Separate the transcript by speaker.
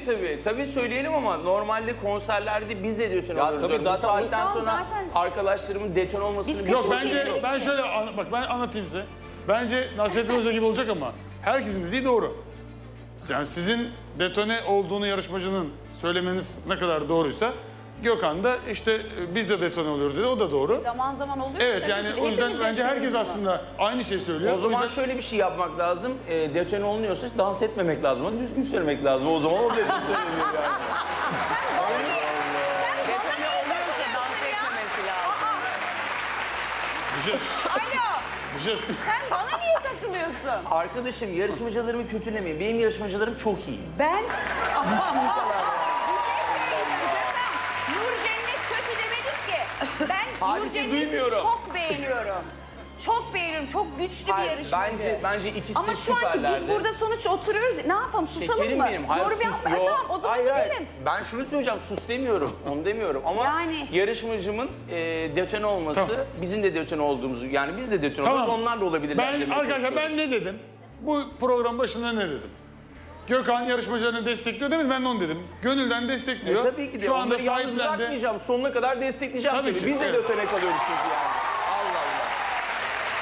Speaker 1: Tabii söyleyelim ama normalde konserlerde biz de detone oluyoruz.
Speaker 2: tabii zaten
Speaker 1: Bu saatten
Speaker 3: Tamam,
Speaker 1: sonra
Speaker 3: zaten-
Speaker 1: arkadaşlarımın detone olmasını
Speaker 3: Biz
Speaker 4: Yok
Speaker 3: kötü bir
Speaker 4: bence
Speaker 3: şey demedik
Speaker 4: ben
Speaker 3: ki.
Speaker 4: şöyle bak ben anlatayım size. Bence Nasrettin Hoca gibi olacak ama herkesin dediği doğru. Yani sizin detone olduğunu yarışmacının söylemeniz ne kadar doğruysa Gökhan da işte biz de detone oluyoruz dedi. O da doğru.
Speaker 3: Zaman zaman oluyor.
Speaker 4: Evet
Speaker 3: tabii
Speaker 4: yani
Speaker 3: ki.
Speaker 4: o yüzden
Speaker 3: Hepimiz
Speaker 4: bence herkes
Speaker 3: yaşıyoruz bunu.
Speaker 4: aslında aynı şeyi söylüyor.
Speaker 1: O zaman
Speaker 4: yüzden
Speaker 1: şöyle bir şey yapmak lazım. Detone olunuyorsa dans etmemek lazım. Ama düzgün söylemek lazım. O zaman o detone söyleniyor yani.
Speaker 5: Detone oluyorsa dans etmemesi lazım.
Speaker 4: bir şey,
Speaker 3: Alo,
Speaker 4: bir şey.
Speaker 3: sen bana niye takılıyorsun?
Speaker 1: Arkadaşım yarışmacılarımı kötülemeyin. Benim yarışmacılarım çok iyi.
Speaker 3: Ben... Nur Cennet kötü demedik ki. Ben Nur
Speaker 1: Hadise
Speaker 3: Cennet'i
Speaker 1: duymuyorum.
Speaker 3: çok beğeniyorum. Çok beğeniyorum. Çok güçlü bir
Speaker 1: Hayır,
Speaker 3: yarışmacı.
Speaker 1: bence ikisi
Speaker 3: Ama
Speaker 1: de
Speaker 3: şu anki
Speaker 1: süperlerdi.
Speaker 3: biz burada sonuç oturuyoruz. Ne yapalım, susalım
Speaker 1: Şekerim
Speaker 3: mı?
Speaker 1: benim. Hayır,
Speaker 3: Doğru bir
Speaker 1: sus.
Speaker 3: yapma.
Speaker 1: Yok.
Speaker 3: Tamam, o zaman
Speaker 1: Hayır,
Speaker 3: gidelim.
Speaker 1: Ben şunu söyleyeceğim, sus demiyorum. Onu demiyorum. Ama
Speaker 3: Yani.
Speaker 1: yarışmacımın detone olması,
Speaker 4: Tamam.
Speaker 1: bizim de detone olduğumuzu, yani biz de detone
Speaker 4: Tamam.
Speaker 1: oluruz, onlar da olabilirler.
Speaker 4: Ben
Speaker 1: demeye
Speaker 4: arkadaşlar
Speaker 1: çalışıyorum.
Speaker 4: ben ne dedim? Bu program başında ne dedim? Gökhan yarışmacılarını destekliyor değil mi? Ben de onu dedim. Gönülden destekliyor.
Speaker 1: Tabii ki de
Speaker 4: Şu anda
Speaker 1: onları yalnız
Speaker 4: sahiplendi.
Speaker 1: bırakmayacağım. Sonuna kadar destekleyeceğim
Speaker 4: Tabii
Speaker 1: tabii.
Speaker 4: ki,
Speaker 1: Biz de
Speaker 4: evet.
Speaker 1: detone kalıyoruz çünkü yani.